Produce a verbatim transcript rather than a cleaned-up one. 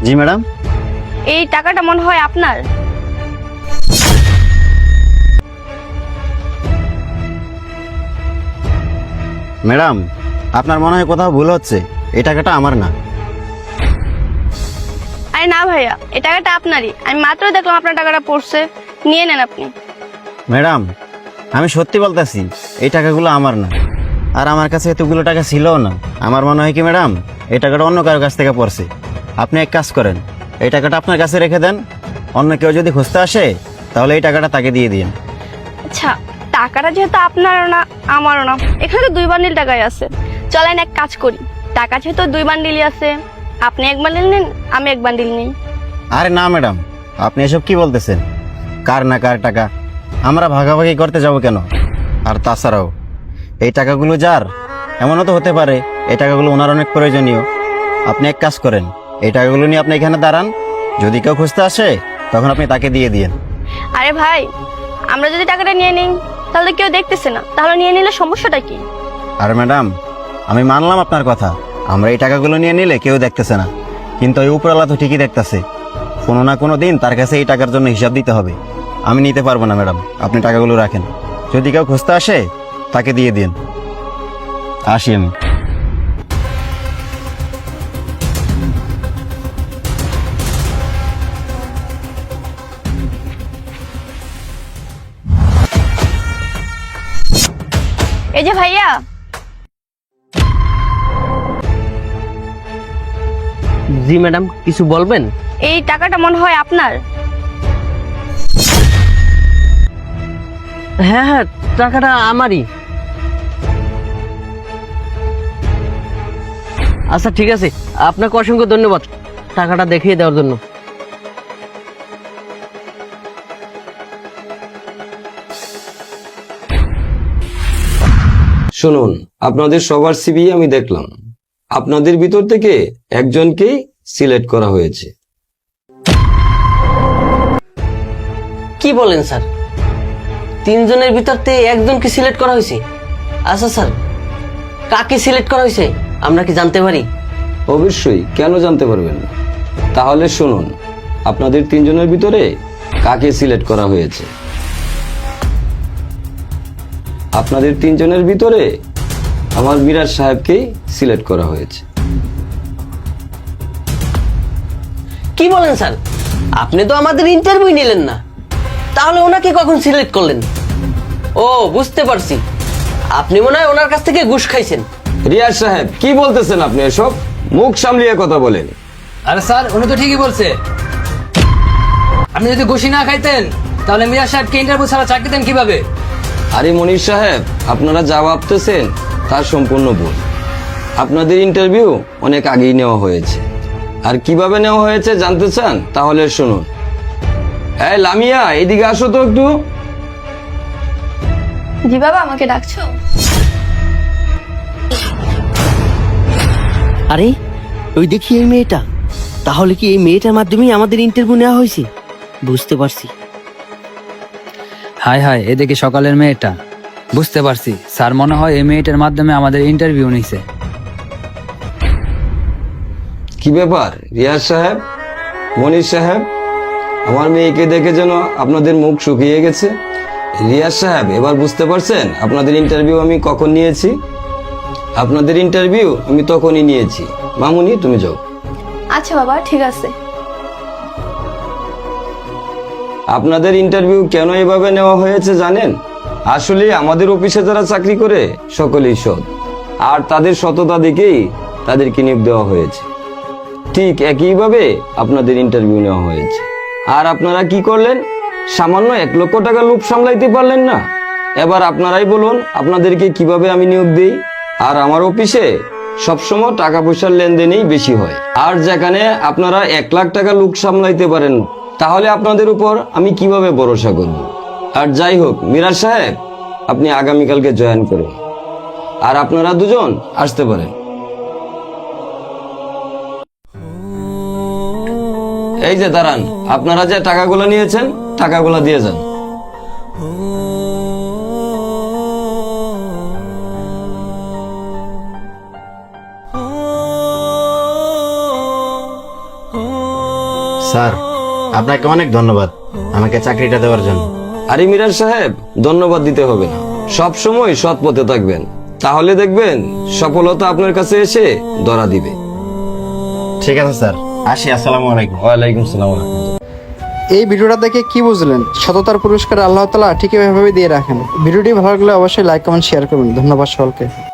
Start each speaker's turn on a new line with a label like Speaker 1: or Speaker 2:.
Speaker 1: জি madam.
Speaker 2: এই টাকাটা মনে হয় আপনার।
Speaker 1: ম্যাডাম, আপনার মনে হয় কোথাও ভুল হচ্ছে, এই টাকাটা আমার না।
Speaker 2: আরে না ভাইয়া, এই টাকাটা আপনারই। আমি মাত্র দেখলাম আপনার টাকাটা পড়ছে, নিয়ে নেন আপনি।
Speaker 1: ম্যাডাম, আমি সত্যি বলতেছি এই টাকাগুলো আমার না, আর আমার কাছে এতগুলো টাকা ছিলও না। আমার মনে হয় কি ম্যাডাম, এই টাকাটা অন্য কারোর কাছ থেকে পড়ছে। আপনি এক কাজ করেন, এই টাকাটা আপনার কাছে রেখে দেন, অন্য কেউ যদি খুঁজতে আসে তাহলে এই টাকাটা তাকে দিয়ে দিন।
Speaker 2: আচ্ছা, টাকাটা যেহেতু আপনারও না আমারও না, এখানে তো দুই বান্ডিল টাকাই আছে। চলেন এক কাজ করি, টাকা যেহেতু দুই বান্ডিলই আছে, আপনি এক বান্ডিল নিন, আমি এক বান্ডিল নিই।
Speaker 1: আরে না ম্যাডাম, আপনি এসব কি বলতেছেন? কার না কার টাকা, আমরা ভাগাভাগি করতে যাব কেন? আর তাছাড়াও এই টাকাগুলো যার, এমনও তো হতে পারে এই টাকাগুলো ওনার অনেক প্রয়োজনীয়। আপনি এক কাজ করেন, এই টাকাগুলো নিয়ে আপনি এখানে দাঁড়ান, যদি কেউ খুঁজতে আসে তখন আপনি তাকে দিয়ে দিন।
Speaker 2: আরে ভাই, আমরা যদি টাকাটা নিয়ে নিই তাহলে কেউ দেখতেছে না, তাহলে নিয়ে নিলে সমস্যাটা কি?
Speaker 1: আর ম্যাডাম, আমি মানলাম আপনার কথা, আমরা এই টাকাগুলো নিয়ে নিলে কেউ দেখতেছে না, কিন্তু ওই উপরওয়ালা তো ঠিকই দেখতেছে। কোনো না কোনো দিন তার কাছে এই টাকার জন্য হিসাব দিতে হবে। আমি নিতে পারবো না ম্যাডাম, আপনি টাকাগুলো রাখেন, যদি কেউ খুঁজতে আসে তাকে দিয়ে দিন। আসি আমি।
Speaker 2: এই যে ভাইয়া,
Speaker 3: জি ম্যাডাম, কিছু বলবেন?
Speaker 2: এই টাকাটা মনে হয় আপনার।
Speaker 3: হ্যাঁ হ্যাঁ, টাকাটা আমারই। আচ্ছা ঠিক আছে, আপনাকে অসংখ্য ধন্যবাদ টাকাটা দেখিয়ে দেওয়ার জন্য।
Speaker 4: শুনুন, আপনাদের সবার সিভি আমি দেখলাম, আপনাদের ভিতর থেকে একজনকেই সিলেক্ট করা হয়েছে।
Speaker 3: কি বলেন স্যার? তিনজনের ভিতর থেকে একজনকে সিলেক্ট করা হয়েছে? আচ্ছা স্যার, কাকে সিলেক্ট করা হয়েছে আমরা কি জানতে পারি?
Speaker 4: অবশ্যই, কেন জানতে পারবেন না? তাহলে শুনুন, আপনাদের তিনজনের ভিতরে কাকে সিলেক্ট করা হয়েছে। আপনাদের তিনজনের ভিতরে আমার মিরাজ সাহেবকেই সিলেক্ট করা হয়েছে।
Speaker 3: কি বলেন স্যার? আপনি তো আমাদের ইন্টারভিউ নিলেন না, তাহলে ওনাকে কখন সিলেক্ট করলেন? ও, বুঝতে পারছি, আপনি মনে হয় ওনার কাছ থেকে ঘুষ খাইছেন।
Speaker 4: রিয়াজ সাহেব, কি বলতেছেন আপনি এসব? মুখ সামলিয়ে কথা বলেন।
Speaker 5: আরে স্যার, উনি তো ঠিকই বলছে। আপনি যদি ঘুষি না খাইতেন তাহলে মিরাজ সাহেবকে ইন্টারভিউ ছাড়া চাকরি দেন কিভাবে?
Speaker 4: আরে মনির সাহেব, আপনারা যা ভাবতেছেন তার সম্পূর্ণ ভুল। আপনাদের ইন্টারভিউ অনেক আগেই নেওয়া হয়েছে, আর কিভাবে নেওয়া হয়েছে জানতে চান? তাহলে শুনুন। এই লামিয়া, এদিকে আসো তো একটু।
Speaker 2: জি বাবা, আমাকে ডাকছো?
Speaker 3: আরে ওই দেখি এই মেয়েটা, তাহলে কি এই মেয়েটার মাধ্যমেই আমাদের ইন্টারভিউ নেওয়া হয়েছে? বুঝতে পারছি।
Speaker 5: হাই হাই, এদিকে সকালের মেয়েটা। বুঝতে পারছি স্যার, মনে হয় এই মেয়েটার মাধ্যমে আমাদের ইন্টারভিউ নিছে।
Speaker 4: কি ব্যাপার রিয়াজ সাহেব, মনির সাহেব, আমার মেয়েকে দেখে যেন আপনাদের মুখ শুকিয়ে গেছে। রিয়াজ সাহেব, এবার বুঝতে পারছেন আপনাদের ইন্টারভিউ আমি কখন নিয়েছি? আপনাদের ইন্টারভিউ আমি তখনই নিয়েছি। মামুনি, তুমি যাও।
Speaker 2: আচ্ছা বাবা, ঠিক আছে।
Speaker 4: আপনাদের ইন্টারভিউ কেন এভাবে নেওয়া হয়েছে জানেন? আসলে আমাদের অফিসে যারা চাকরি করে সকলেই সৎ, আর তাদের সততা দেখেই তাদেরকে নিয়োগ দেওয়া হয়েছে। ঠিক একইভাবে আপনাদের ইন্টারভিউ নেওয়া হয়েছে। আর আপনারা কি করলেন? সামান্য এক লক্ষ টাকা লোভ সামলাইতে পারলেন না। এবার আপনারাই বলুন আপনাদেরকে কিভাবে আমি নিয়োগ দিই। আর আমার অফিসে সবসময় টাকা পয়সার লেনদেনই বেশি হয়, আর যেখানে আপনারা এক লাখ টাকা লোক সামলাইতে পারেন, তাহলে আপনাদের উপর আমি কিভাবে ভরসা করব? আর যাই হোক মিরাজ সাহেব, আপনি আগামীকালকে জয়েন করুন, আর আপনারা দুজন আসতে পারেন। এই যে দাঁড়ান, আপনারা যে টাকাগুলো নিয়েছেন টাকাগুলো দিয়ে যান।
Speaker 6: oh
Speaker 1: স্যার আপনাকে অনেক ধন্যবাদ আমাকে চাকরিটা দেওয়ার জন্য।
Speaker 4: আরে মিরাজ সাহেব, ধন্যবাদ দিতে হবে না। সব সময় সৎ পথে থাকবেন, তাহলে দেখবেন সফলতা আপনার কাছে এসে ধরা দিবে।
Speaker 1: ঠিক আছে স্যার, আসি। আসসালামু আলাইকুম।
Speaker 4: ওয়ালাইকুম সালাম ওয়া রাহমাতুল্লাহ।
Speaker 6: এই ভিডিওটা দেখে কি বুঝলেন? সততার পুরস্কার আল্লাহ তাআলা ঠিক এভাবে দিয়ে রাখেন। ভিডিওটি ভালো লাগলে অবশ্যই লাইক কমেন্ট শেয়ার করবেন। ধন্যবাদ সকলকে।